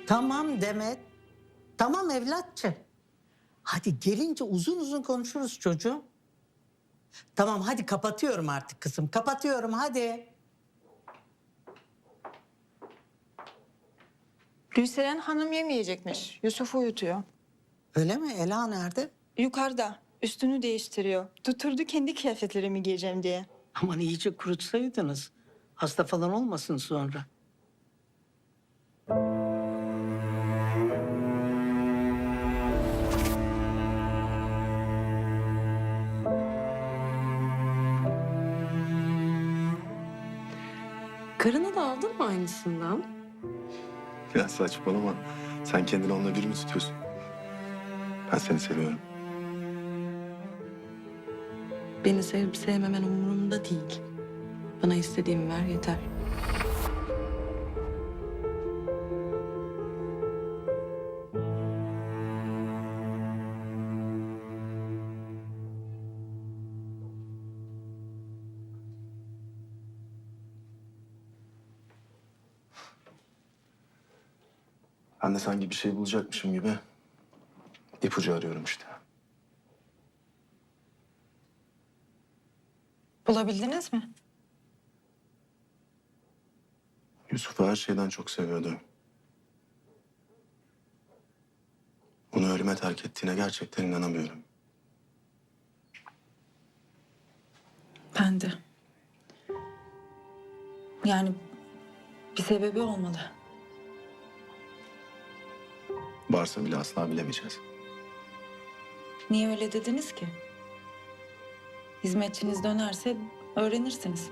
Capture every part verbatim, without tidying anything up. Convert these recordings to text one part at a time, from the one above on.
Tamam Demet. Tamam evlatçım. Hadi gelince uzun uzun konuşuruz çocuğum. Tamam hadi kapatıyorum artık kızım. Kapatıyorum hadi. Gülseren Hanım yemeyecekmiş. Yusuf uyutuyor. Öyle mi? Ela nerede? Yukarıda. Üstünü değiştiriyor. Tuturdu kendi kıyafetlerimi giyeceğim diye. Aman iyice kurutsaydınız. Hasta falan olmasın sonra. Karına da aldın mı aynısından? Ya saçmalama. Sen kendini onunla bir mi tutuyorsun? Ben seni seviyorum. Beni sevip sevmemen umurumda değil. Bana istediğimi ver yeter. Ben de sanki bir şey bulacakmışım gibi ipucu arıyorum işte. Bulabildiniz mi? Yusuf'u her şeyden çok seviyordu. Onu ölüme terk ettiğine gerçekten inanamıyorum. Ben de. Yani bir sebebi olmalı. Varsa bile asla bilemeyeceğiz. Niye öyle dediniz ki? Hizmetçiniz dönerse öğrenirsiniz.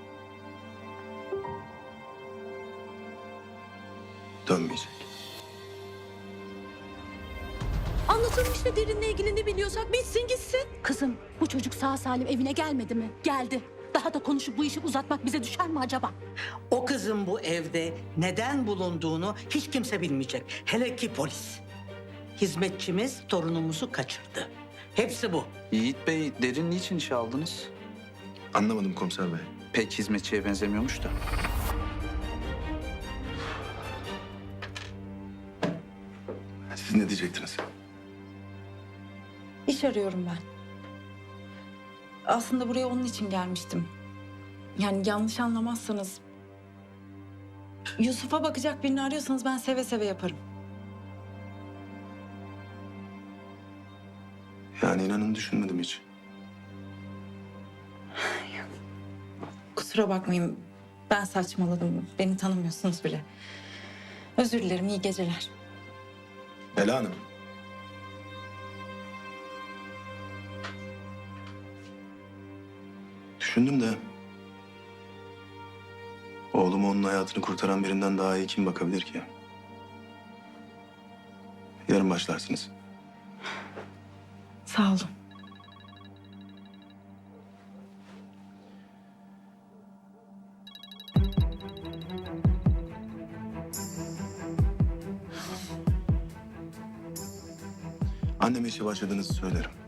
Dönmeyecek. Anlatalım işte Derin'le ilgili ne biliyorsak bitsin gitsin. Kızım bu çocuk sağ salim evine gelmedi mi? Geldi. Daha da konuşup bu işi uzatmak bize düşer mi acaba? O kızın bu evde neden bulunduğunu hiç kimse bilmeyecek. Hele ki polis. Hizmetçimiz torunumuzu kaçırdı. Hepsi bu. Yiğit Bey, Derin niçin işe aldınız? Anlamadım komiser bey. Pek hizmetçiye benzemiyormuş da. Siz ne diyecektiniz? İş arıyorum ben. Aslında buraya onun için gelmiştim. Yani yanlış anlamazsanız... Yusuf'a bakacak birini arıyorsanız ben seve seve yaparım. Yani inanın düşünmedim hiç. Kusura bakmayın. Ben saçmaladım. Beni tanımıyorsunuz bile. Özür dilerim. İyi geceler. Ela Hanım. Düşündüm de... Oğlumu onun hayatını kurtaran birinden daha iyi kim bakabilir ki? Yarın başlarsınız. Sağ olun. Anneme işe başladığınızı söylerim.